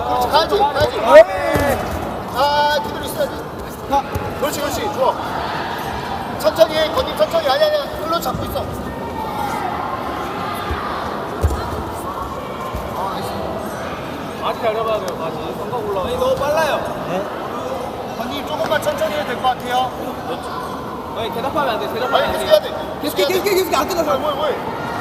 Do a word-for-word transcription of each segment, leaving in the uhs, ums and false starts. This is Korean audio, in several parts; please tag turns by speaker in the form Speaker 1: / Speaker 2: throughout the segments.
Speaker 1: 그렇지, 가야지, 가야지. 아, 그대로 있어야지. 가. 그렇지, 그렇지, 좋아. 천천히 해, 건님 천천히. 아니, 아니, 흘러 잡고 있어.
Speaker 2: 아직 알아봐야 돼요. 다시 성각 올라가. 아니 너무 빨라요.
Speaker 1: 건님 조금만 천천히 해도 될 것 같아요.
Speaker 2: 아니 대답하면 안 돼. 대답하면
Speaker 1: 아니,
Speaker 2: 안
Speaker 1: 계속
Speaker 2: 돼.
Speaker 1: 해야 돼.
Speaker 3: 계속 해, 계속 해, 계속 해. 안 끝났어.
Speaker 1: 뭐야, 뭐야.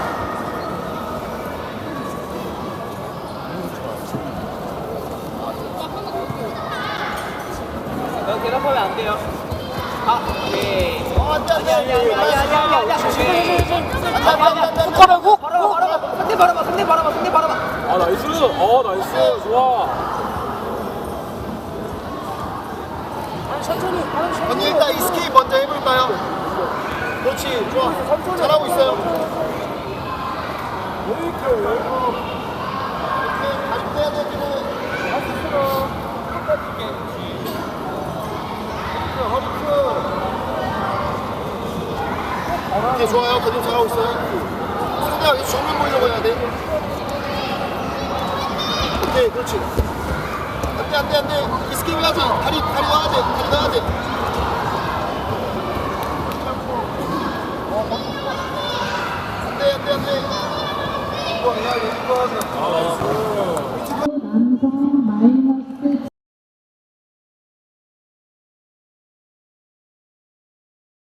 Speaker 2: 넌 대답하면 안 돼요. 아, 오케이.
Speaker 1: 어, 안 돼, 안 돼.
Speaker 2: 아니 아니 아니 아니 아니 아니 아니.
Speaker 1: 안 돼, 안 돼, 안 돼, 안 돼.
Speaker 3: 손가락고?
Speaker 2: 바라봐 바라봐. 상대 바라봐. 상대 바라봐. 상대 바라봐.
Speaker 4: 아 나이스. 어 나이스. 좋아.
Speaker 1: 언니 일단 이 스키 먼저 해볼까요? 그렇지, 좋아. 잘하고 있어요. 이렇게 다리 떼야 돼, 지금. 오케이, 좋아요. 그림 잘하고 있어요. 상대가 계속 정면 보이려고 해야 돼. 오케이, 그렇지. 안 돼, 안 돼, 안 돼. 이 스키 해야지. 다리, 다리 넣어야 돼. 다리 넣어야 돼. 안 돼, 안 돼, 안 돼. 일 번 해야 돼, 일 번.
Speaker 4: 아 나이스.
Speaker 5: 남성 마이너스